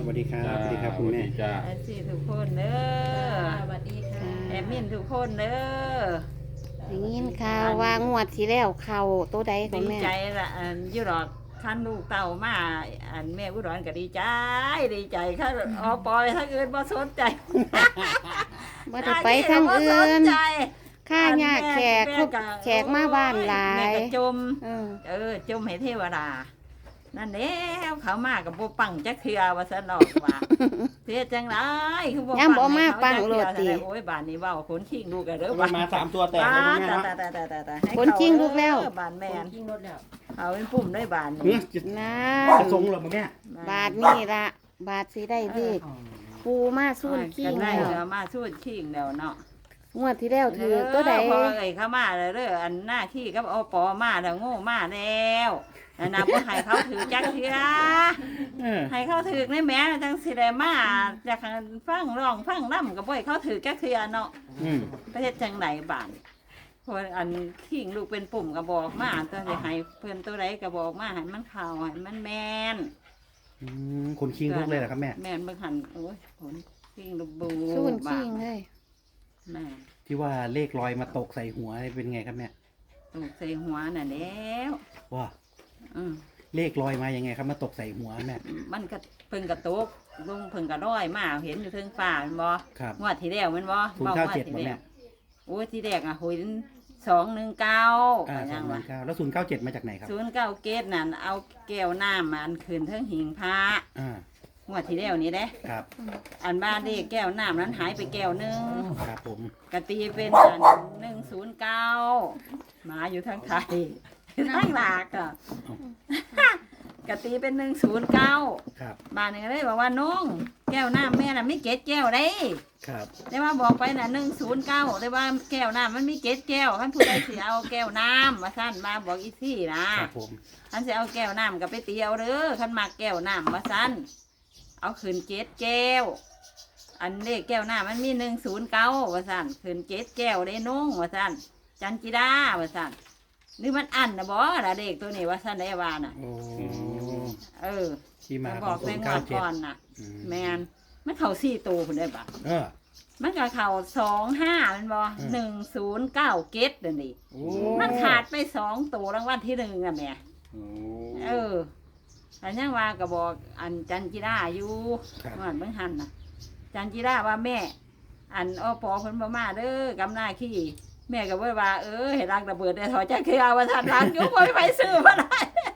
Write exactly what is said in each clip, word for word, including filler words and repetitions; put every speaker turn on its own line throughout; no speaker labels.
สวัสดีครับสวัสดีครับคุณแม่
จ้า
แอดซี่ทุกคนเด้อ
สวัสดีค่ะ
แอดมินทุกคนเด้อ
อย่างนี้ข่าวว่างวดที่แล้วเข่าตัวใดขอ
ดี
งแม่
ใจละอันอยุรอกท่านลูกเต่ามาอันแม่อุดรก็ดีใจดีใจค่ะออปอยถ้าเกินบ่สนใจ
ว่าจะไปทางอื่
บ่ส
น
ใจ
ค่าญาติแขก
ม่
ครบ
ก็
แขกมาบ้านหลา
แม่
ย
ก็จม
เออ
เออจมให้เทวดา นั่นแล้วเขามากับบ่ปังจักเทือว่าซั่นออกว่า เสียจังไรคือบ่
ยังบ่มาปัง
ให้เข
โลดติ
จักเทื่อโอ้ยบ้านนี้เว้าคนขิงลูกกันเด้อ
มามาสามตัวแตกเลยคุณแม่
บ้าน
เนาะ
แต่แต่แต่แต่แต่ให้
คนขิงลูกแล้ว
เด้อบ้านแม่น
กินรถแล้ว
เอาเป็นปุ่มได้บ้าน
เฮ้ย
นี้
จะ
นะ
จะทรงเหรอแม่
บาทนี่ละบาทสิได้เลขปูมาสู้ขี้
กันได้
แล้ว
เดี๋ยวมาสู้ขิงแล้วเนาะ
งวดที่แล้วถือตัวใด
พอไอ้เข้ามาแล้วเด้ออันหน้าที่กับอปอมาแล้วโง่มาแล้วอันนับว่าให้เขาถือจักเทื่อ
เออ
ให้เขาถือในแม่จังสิได้มาจากฟังร้องฟังนำก็บ่ให้เขาถือจักเทื่อเนาะ
อืม
ประเทศจังไหนบ้านเพราะอันขิงลูกเป็นปุ่มก็บอกมาตัวสิให้เพิ่นตัวใดก็บอกมาให้มันเข้าให้มันแม่น
อืมคนคิงลุกเลยเหรอครับแม่
แม่นเบิ่งหันโอ้ยผลขิงลูกบู
สู้
บ้า
ขี้
น
เลย
แม่
ที่ว่าเลขลอยมาตกใส่หัวเป็นไงครับแม่
ลูกใส่หัวน่ะแล้ว
ว่า
อืม
เลขลอยมายังไงครับมาตกใส่หัวแม่
มันก็เพิ่งกระตกลุงเพิ่งกระร้อยมาเห็นอยู่เทิงฟ้าแมันบ่
ครับ
งวดที่แล้วแมันบ่
ศูนย์เก้าเจ็ด
ว้
บ่
งว
แม่
ที่แล้วโอ้ยที่แรกอ่ะหุยสองหนึ่งเก้า
อ่าส
ยั
อง
ง
ห
วะ
นึ่งเก้าแล้วศูนย์เก้าเจ็ดมาจากไหนครับ
ศูนย์เก้าเกตนั่นเอาแก้วน้ำมันคืนเทิงหิงพระ
อ่าง
วดที่แล้วนี่เด้
ครับ
อันบ้านเลขแก้วน้ำนั้นหายไปแก้วหนึง
ครับผม
กตีเป็นอันหนึ่งศูนย์เก้าหมาอยู่ทางไทยทางหลากอ่ะ กตีเป็นหนึ่งศูนย์เก้า
ครับ
บ้านนึงเลยบอกว่าน้องแก้วน้ำแม่น่ะไม่เก็ดแก้วได้
ครับ
ได้ว่าบอกไปน่ะหนึ่งศูนย์เก้าได้ว่าแก้วน้ำมันมีเก็ดแก้วท่านผู้ใดสิเอาแก้วน้ำมาสั้นมาบอกอีซี่นะครับ
ผม
ท่านสิเอาแก้วน้ำกับไปเตียวเด้อท่านมาแก้วน้ำมาสั้นเอาขืนเจ็ดแก้ว อันเลขแก้วน้ำมันมีหนึ่งศูนย์เก้าว่าสั้นขืนเจ็ดแก้วได้น้องว่าสั้นจันจิดาว่าสั้นนี่มันอันนะบอละเด็กตัวนี้ว่าสั้นได้ว่าน่ะ
โอ้
เออ
ที่มา
มา
ข
บ
อ
อง ก
ศู
ใน
นย์
ง
เก้าว
ด
เจ็ด
ก่อนน่ะ
อื
แมนมันเข่าสี่ตัวคุณได้ปะ
เออ
มันก็เข่าสองห้ามันบอ
อืม
หนึ่งศูนย์เก้าเกตเดี๋ยวนี้
โอ้
มันขาดไปสองตัวรางวัลที่หนึ่งอะแม่
โอ้
เอออันยังว่าก็บอกอันจันจิราอยู่
ครับ
ว่าเบิ่งหันน่ะ จันจิราว่าแม่ อันอปอเพิ่นบ่มาเด้อกำหน้าขี้แม่ก็บ่ว่าเออให้รักระเบิดได้ถอยจักคือเอาว่าท่านรักอยู่บ่มีไปซื้อบ่ได้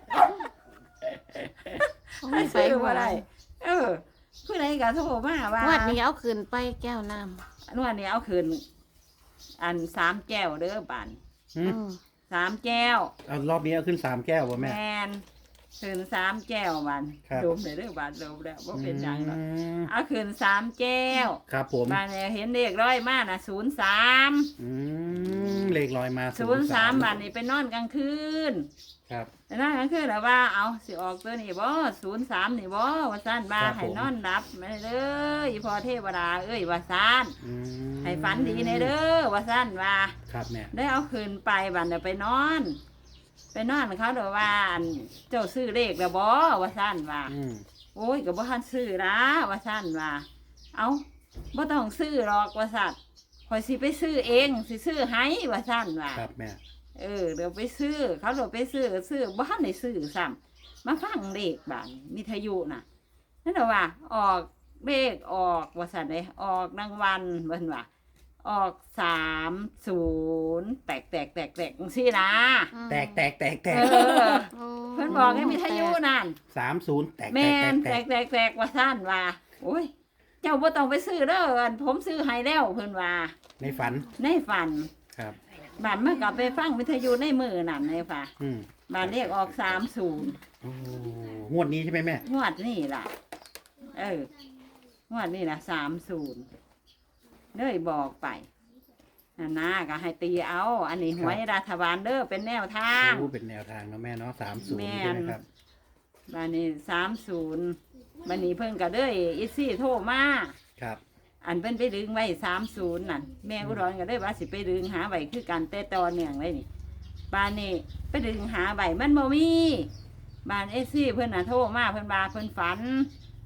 ให้ซื้อบ่ได้เออผู้ใดก็โทรมาว่า
งวดนี้เอาขึ้นไปแก้วน้
นวดนี้เอาคืนอันสามแก้วเด้อบัน
ำ
หืม
อืม
สามแก้ว
เอารอบนี้เอาขึ้นสามแก้วป่ะ
แม
แม่
นคืนสามแก้วบัน
ครับ
ดมเลยเด้อบันดมแล้วว่าเป็นหยังหรอก
อืม
เอาคืนสามแก้ว
ครับผม
บันเนี่ยเห็นเด็กร้อยมากนะศูนย์สาม
อืมเลขลอยมา
ศูนย์สามบันนี่ไปนอนกลางคืน
ครับ
ไปนอนกลางคืนแล้วว่าเอาสิออกตัวนี่บ่ศูนย์สามนี่บ่ว่าสั้นมา
ครับผม
ให้นอนรับไม่ได้เลยอีพอเทวดาเอ้ยว่าสั้น
อืม
ให้ฝันดีในเด้อว่าสั้นว่า
ครับแม่
ได้เอาคืนไปบันเดี๋ยวไปนอน ไปนอนเขาเดี๋ยวว่าอันเจ้าซื้อเลขแล้วบ่ว่าสั้นว่า
อืม
โอ้ยก็บ่ทันซื้อละว่าสั้นว่า เอาบ่ต้องซื้อหรอกว่าสั้นคอยสิไปซื้อเองสิซื้อให้ว่าสั้นว่า
ครับแม่
เออเดี๋ยวไปซื้อ เขาเดี๋ยวไปซื้อซื้อบ่ทันได้ซื้อซ้ำมาฟังเลขบ้านมิทยุน่ะนั่นแหละว่า ออกเลขออกว่าสั้นเลยออกรางวัลเพิ่นว่า ออกสามศูนย์แตกแตกแตกแตกจังซี่นะ
แตกแตกแตกแตก
เออ เพิ่นบอกให้มีทยุนั่น
สามศูนย์แตก
แม
แตกแตกแตก
นแตกแตกแตกว่าสั้นว่าโอ้ย เจ้าบ่ต้องไปซื้อเด้ออันผมซื้อให้แล้วเพิ่นว่า
ในฝัน
ในฝัน
ครับ
บ้านเมื่อกลับไปฟังวิทยุในมือนั่นเลยค่ะ
อืม
บ้านเรียกออกสามศูนย์
โอ้งวดนี้ใช่ไหมแม่
งวดนี่ล่ะ เอองวดนี่ล่ะสามศูนย์เลยบอกไปนะนะก็ให้ตีเอา อันนี้หวยรัฐบาลเด้อเป็นแนวทาง
รู้เป็นแนวทางเนาะแม่เนาะสามศูน
แม่
ย์ใช่
น
ไหมครับ
บ้านนี้สามศูนย์บ้านนี้เพิ่นก็เด้ออีซี่โทรมา
ครับ
อันเพิ่นไปดึงไว้สามศูนย์นั่นแม่อุดรก็ได้ว่าสิไปดึงหาไว้คือกันแต่ตอนเนื่องเลยนี่บ้านนี้ไปดึงหาไว้มันบ่มีบ้านเอซี่เพิ่นน่ะโทรมาเพิ่นว่าเพิ่นฝัน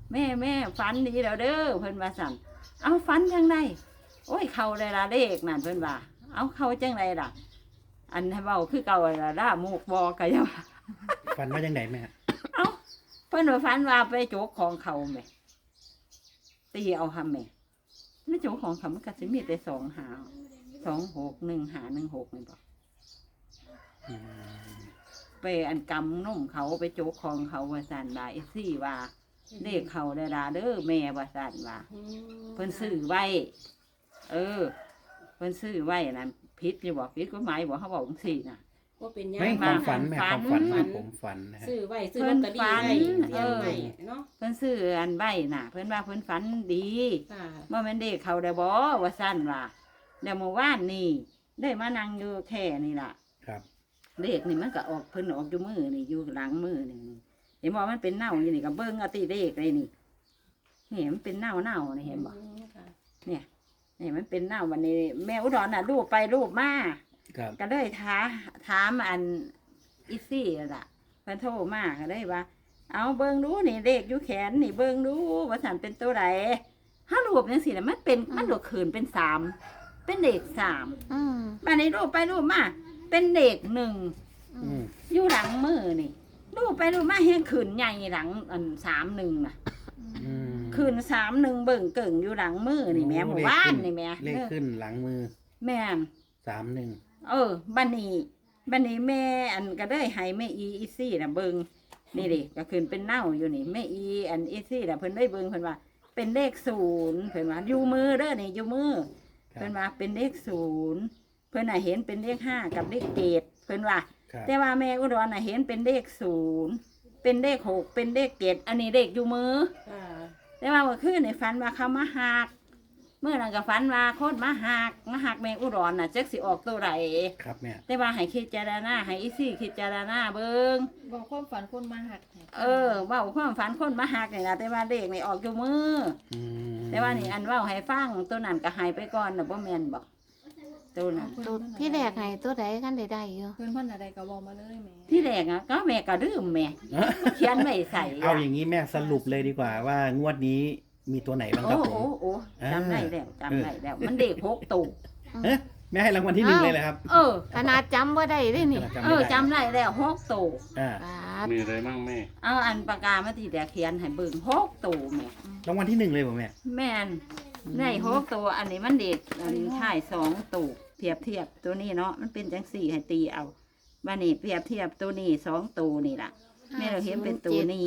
แม่แม่ฝันดีแล้วเด้อเพิ่นว่าสั่นเอาฝันจังไดโอ้ยเข้าได้ละเลขนั่นเพิ่นว่าเอาเข้าจังไดล่ะ อันให้เว้าคือเก่าละล่ามูกบอกก็ยังว่า
ฝันว่ายังไงแม่
เอาเพิ่นว่าฝันว่าไปโจกของเขาแม่ตีเอาหำแม่ไม่โจกของเขามันก็สิมีแต่สองหาสองหกหนึ่งหาหนึ่งหกนี่บ่
อืม
ไปอันกำนุ่มเขาไปโจกของเขาว่าสั่นว่าไอ้ซี่ว่าเลขเขาได้ดาเด้อแม่ว่าสั่นว่าเพิ่นซื้อไว้ เออ เพิ่นซื้อไว้นั่นผิดอยู่บ่ผิดกฎหมายบ่เขาบอกจังซี่น่ะ
ว่าเป็นยัง
ไม่ค
มา
วามฝันแม่
ฝั
ควาน มฝันนะผมฝันนะฮะ
ซื้อไว้ซื้อลอตเตอรี่ไว้
เอ
เรียน
อ
ใหม่เนาะ
เพิ่นซื้ออันใบน่ะ เพิ่นว่าเพิ่นฝันดี
ค่ะ
เมื่อมันเด็กเขาได้บ่ว่าสั่นว่าเดี๋ยวเมื่อวานนี่ได้มานั่งอยู่แค่นี่ล่ะ
ครับ
เด็กนี่มันก็ออกเพิ่นออกอยู่มือนี่อยู่หลังมือนี่เห็นบ่มันเป็นเน่าอยู่นี่ก็เบิ่งเอาติเด็กเลยนี่นี่มันเป็นเน่าเน่านี่เห็นบ่
อืมค่ะ
เนี่ยนี่มันเป็นเน่าวันนี้แม่อุดรน่ะรูปไปรูปมา
ครับ
ก็เลยท้าถามอันอีซี่ล่ะเพิ่นโทรมาก็เลยว่า เอาเบิ่งดูนี่เลขอยู่แขนนี่เบิ่งดูว่าสันเป็นตัวใดถ้ารูปจังซี่น่ะมันเป็นมันหลวขืนเป็นสามเป็นเลขสาม
อืม
บัดนี้รูปไปรูปมาเป็นเลขหนึ่ง
อืม
อยู่หลังมือนี่รูปไปรูปมาเห็นขืนใหญ่หลังอันสามหนึ่งน่ะ
อืม
ขืนสามหนึ่งเบิ่งเกิ่งอยู่หลังมือนี่แม่หมู่บ้านนี่แม่
เลขขึ้นหลังมือ
แม่น
สามหนึ่ง
เออบันนี้บันนี้แม่อันก็ได้ให้แม่อีอีซี่น่ะเบิงนี่ดิก็ขึ้นเป็นเน่าอยู่นี่แม่อีอันอีซี่น่ะเพิ่นได้เบิงเพิ่นว่า เป็นเลขศูนย์เพิ่นว่าอยู่มือเด้อนี่อยู่มือ
ครั
เพิ่
บ
นว่าเป็นเลขศูนย์เพิ่นน่ะเห็นเป็นเลขห้ากับเลขเกตเพิ่นว่า
ครับ
แต่ว่าแม่อุดรน่ะเห็นเป็นเลขศูนย์เป็นเลขหกเป็นเลขเกตอันนี้เลขอยู่มือ
ค่ะ
แต่ว่าเมื่อคืนในฝันว่าเขามาหักเมื่อนั้นก็ฝันว่าโคตรมาหักมาหักแมงอุดรน่ะจักสิออกตัวไหน
ครับแม่
แต่ว่าให้คิดเจารณาให้อีซี่คิดเจารณาเบิง
บอกความฝันคนมาหักให้
เออเว่าความฝันคนมาหักนี่นะแต่ว่าเด็กนี่ออกอยู่มือ
อืม
แต่ว่านี่อันเว่าให้ฟังตัวนั้นก็ใหายไปก่อนนะบ่แม่นบอกตัวนั้น
ตัวที่แรกให้ตัวใดกันได้ได้อยู่
เพื่อนพ่อนอะไรก็บอกมาเลยแหม่
ที่แรกอ่ะก็แม่ก็ลืมแม่
เอ้อ
เขียนไม่ใส่
เอาอย่างนี้แม่สรุปเลยดีกว่าว่างวดนี้มีตัวไหนบ้างค
โอ้
รับผ
โอ้
ม
โอ้
อ่า
จำได้แล้วจำได้แล้ว มันเด็กหกตู
เอ๊ะแม่ให้รางวัลที่หนึ่งเลยเลยครับ
เออ
ขนาดจำว่าได้ด้วยนี่
ขนาด
เอ
จำ
อ
ไม่ได้
จำได้แล้วหกตู
อ่า
บาด
มีอะไรบ้างแม่
เอาอันปากกามาที่แต่เขียนให้เบิ่งหกตูแม่
รางวัลที่หนึ่งเลยผมแม่
แม่นได้หกตัวอันนี้มันเด็กอันนี้ถ่ายสองตูเทียบเทียบตัวนี้เนาะมันเป็นจังสี่ให้ตีเอาบ้านนี้เปรียบเทียบตัวนี้สองตัวนี่ล่ะแม่เราเห็นเป็นตัวนี้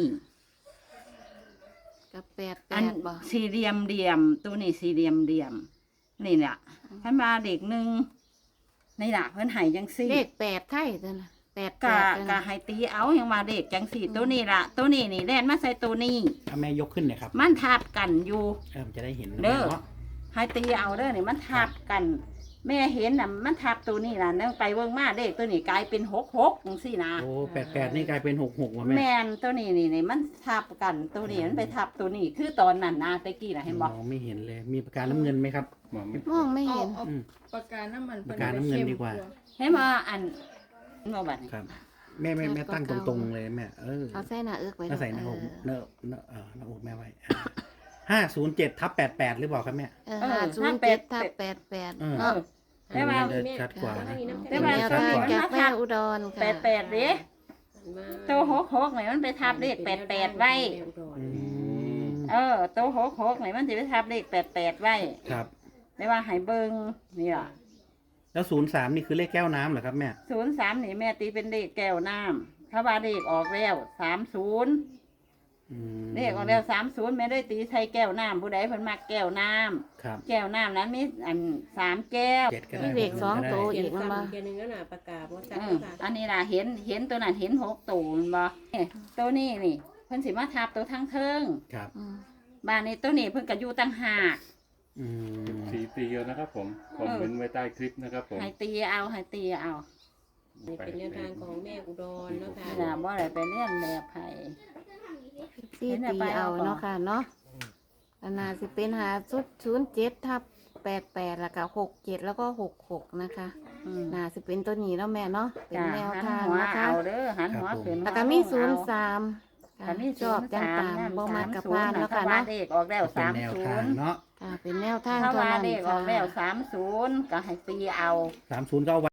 กับแปดแป
อัน
ดบ่
สี่เหลี่ยมเดียมตัวนี้สี่เหลี่ยมเดียมนี่แหละท่านมาเด็กหนึ่งนี่ล่ะเพิ่นให้จังสี่
เลขแปดไทยตัวน่ะแปดแป
กะ
ดตัว
กะ
น่ะ
ให้ตีเอาอย่างมาเด็กจังสี่ตัวนี้ล่ะ ตัวนี้นี่แล่นมาใส่ตัวนี้
ถ้าแม่ยกขึ้นหน่อยครับ
มันทับกันอยู่
เออมันจะได้เห็นนะ
เด้
แม่
อ
เนาะ
ให้ตีเอาเด้อนี่มันทับกัน แม่เห็นน่ะมันทับตัวนี้ล่ะนั่งไปเบิ่งมาเด็กตัวนี้กลายเป็นหกหกจังซี่นะ
โอ้แปดแปดนี่กลายเป็นหกหกว่ะแม่
แม่นตัวนี้นี่นี่มันทับกันตัวนี้มันไปทับตัวนี้ คือตอนนั้นนะตะกี้น่ะเห็นบ่
มองไม่เห็นเลย มีปากกาน้ำเงินไหมครับ
มองไม่
มองไม่
เอา
เห็น
เอา
อืม
ปากกาน้ำมัน
ปากกาน้ำเงินดีกว่า
เห็นบ่อันบ่บัดนี้
ครับ แม่แม่แม่ตั้งตรงๆเลยแม่ เออ
เอาใส่หน้าเอิกไว้
ถ้าใส่หน้า
เอ
อก
อ
เนอะเนอะเออหน้าอกแม่ไว้ห้าศูนย์เจ็ดทับแปดแปดหรือเปล่าครับแม่
เออห้าศูนย์เจ็ดทับแปดแปด
เออ
เอ
เนาะ
อ แต่ว่า
เออชัดกว่านะ
แต่
เป็น
ว่า
แนว
ตัว
ทาง
นี้
จาก
มัน
แม่
ทับ
อุดรค่ะ
แปดแปดเด้ตัวหกหกนี่มันไปทับเลขแปดแปดไว้
อืม
เออตัวหกหกนี่มันสิไปทับเลขแปดแปดไว้
ครับ
แต่ว่าให้เบิ่งนี่ล่ะ
แล้วศูนย์สามนี่คือเลขแก้วน้ำเหรอครับแม่
ศูนย์สามนี่แม่ตีเป็นเลขแก้วน้ำถ้าว่าเลขออกแล้วสามศูนย์
อืม
เลขออกแล้วสามศูนย์แม่ได้ตีใส่แก้วน้ำผู้ใดเพิ่นมักแก้วน้
ครับ
ำแก้วน้ำนั้นมีอันสามแก้ว
เจ็ดก็
มี
ได้
เลขสอง
ก็ได้
ตัว
เขีย
อี
น
กมันบ่
ซ้ำเขียนหนึ่งแล้วน่ะประกาศว่าจัด
อื
แล้
ม
วค่ะ
อันนี้ล่ะเห็นเห็นตัวนั้นเห็นหกตัวแม่นบ่เนี่ยตัวนี้นี่เพิ่นสิมาทับตัวทั้งเทิง
ครับ
อืม
บ้านนี้ตัวนี้เพิ่นก็อยู่ตั้งหาก
อืม
สีตีเยอะนะครับผม คอมเมนต์ไว้ใต้คลิปนะครับผม
ให้ตีเอาให้ตีเอา
นี่เป็นแนวทางของแม่อุดรเนาะค่ะ
นี่ล่ะบ่ได้ไปเรียนแบบไผ
สี่ตีเอาเนาะค่ะเนาะอันน่าสิเป็นหาชุดศูนย์เจ็ดทับแปดแปดแล้วก็หกเจ็ดแล้วก็หกหกนะคะ
อืม
น่าสิเป็นตัวนี้แล้วแม่เนาะเป็น
จ้ะ
แนว
หัน
ทาง
หัว
นะคะ
เอาเด้อหันหัวขึ้น
แล้วก็มีศูนย์สามค่ะ
ถ้ามี
ชอบจังตามบ่มากกับพานแล้วค่ะ
ถ้าว่า
เนาะ
เลขออกแล้ว
เป็น
สาม
แนว
ศู
ทาง
นย์
เนาะ
ค่ะเป็นแนวทาง
ถ้า
เท่า
ว่า
นั้น
เลขออกแล้ว
ค่ะ
สามศูนย์ก็ให้ตีเอา
สามศูนย์ก็เอาไว้